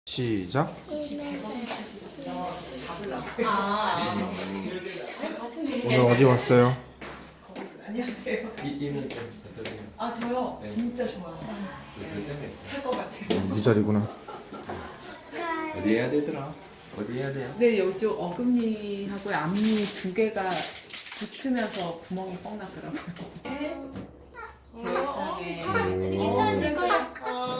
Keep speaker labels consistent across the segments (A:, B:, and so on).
A: 시작. 오늘 어디 왔어요?
B: 안녕하세요.
C: 이는 좀 어떠세요?
B: 아 저요?
C: 네.
B: 진짜 좋아요.
C: 그 때문에
B: 살 것 같아요.
A: 네 자리구나.
C: 어디 해야 되더라? 어디 해야 돼요?
B: 네, 이쪽 어금니하고 앞니 두 개가 붙으면서 구멍이 뻥 났더라고요. 세상에.
D: 괜찮으실 거예요.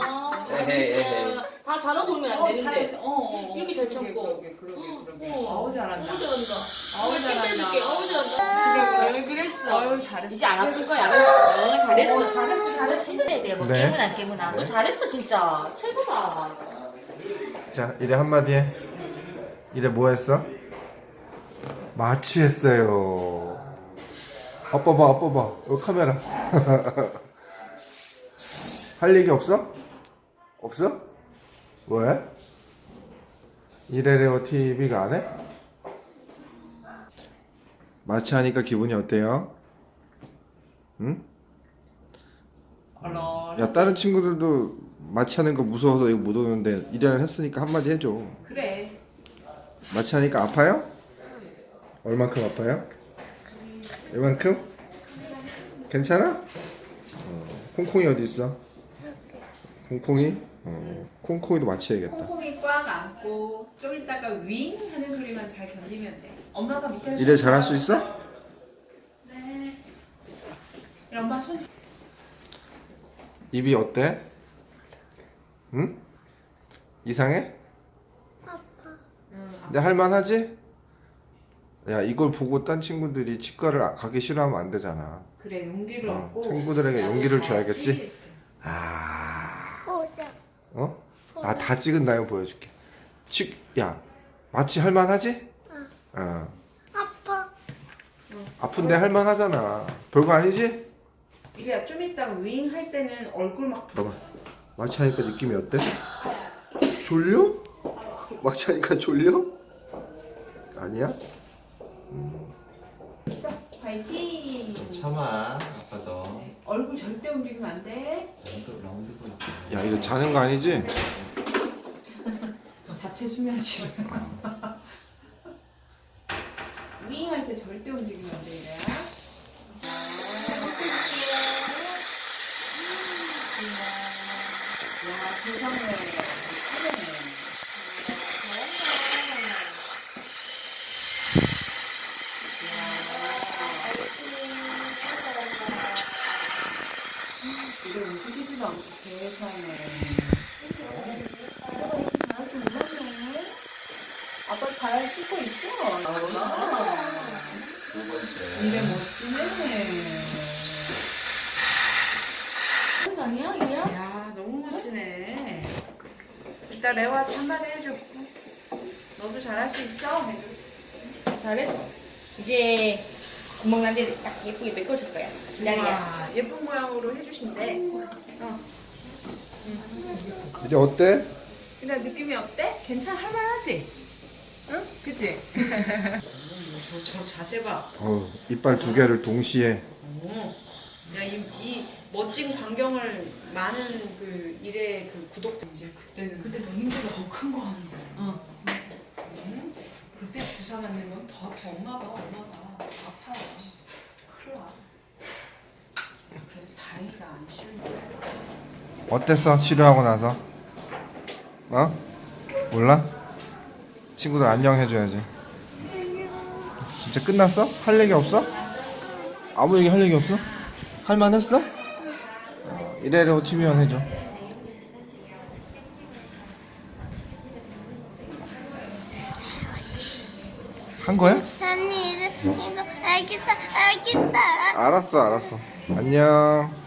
D: 다 잘하고 그러면 안 되는데.
B: 잘했어.
D: 이렇게 잘 참고.
B: 그러게. 아우 잘한다.
D: 너무 잘한다.
B: 아우
D: 칭찬해줄게.
B: 잘한다.
D: 어우 잘한다. 그래, 그랬어.
B: 아유 잘했어.
D: 이제 안 아플 거야. 알았어. 잘했어. 진짜 돼. 뭐
A: 네.
D: 깨문 안 깨문아. 너 잘했어 진짜. 최고다.
A: 자, 이래 한마디 해. 이래 뭐 했어? 마취했어요. 아빠 봐, 아빠 봐. 여기 카메라. 할 얘기 없어? 없어? 왜? 이래레오 TV가 안 해? 마취하니까 기분이 어때요? 응? 야, 다른 친구들도 마취하는 거 무서워서 이거 못 오는데 이래를 했으니까 한마디 해줘.
B: 그래.
A: 마취하니까 아파요? 얼만큼 아파요? 이만큼? 괜찮아? 콩콩이 어디 있어? 콩콩이? 콩콩이도 마취해야겠다.
B: 콩콩이 꽉 안고 좀 이따가 윙 하는 소리만 잘 견디면 돼. 엄마가 밑에서
A: 이래 잘할 수 있어?
B: 네. 이런 엄마 손.
A: 입이 어때? 응? 이상해? 근데 할만하지? 야, 이걸 보고 딴 친구들이 치과를 가기 싫어하면 안 되잖아.
B: 그래 용기를 얻고.
A: 친구들에게 용기를 줘야겠지? 어? 아, 다 찍은 나요 보여줄게. 야, 마취 할만하지? 아픈데 할만하잖아. 별거 아니지?
B: 이래야 좀 이따가 윙 할 때는 얼굴 막.
A: 봐봐. 마취하니까 느낌이 어때? 졸려? 마취하니까 졸려? 아니야?
B: 파이팅.
C: 참아, 아빠도.
B: 얼굴 절대 움직이면 안 돼.
C: 라운드 보여.
A: 야, 이거 자는 거 아니지?
B: 자체 수면증. 윙 할 때 절대 움직이면 안 돼, 이래야. 야, 세상에. 이게 움직이지도 않고 세상에. 아빠 잘 씻고 있죠?
C: 두 번째.
B: 이래 멋지네.
D: 그런 거 아니야 이게야?
B: 야, 너무 멋지네. 이따 레오한테 한마디 해줘. 너도 잘할 수 있어? 해줘.
D: 잘했어. 이제 구멍 난 데 딱 예쁘게 메꿔줄 거야. 기다려.
B: 우와, 예쁜 모양으로 해주신대.
A: 이제 어때?
B: 근데 느낌이 어때? 할만하지? 응? 그치? 저 자세 봐.
A: 이빨 두 개를 동시에.
B: 야, 이 멋진 광경을 많은 그 일의 그 구독자 이제 그때 더 힘들어. 더 큰 거 하는 거야. 응? 그때 주사 맞는 건 더 엄마가 아파요. 큰일 나. 그래서 다행이다 안 쉬운 거야.
A: 어땠어? 치료하고 나서? 어? 몰라? 친구들 안녕 해줘야지. 진짜 끝났어? 할 얘기 없어? 아무 얘기 할 얘기 없어? 할만했어? 이래로 TV만 해줘. 한 거야?
E: 언니 이거 알겠다.
A: 알았어. 안녕.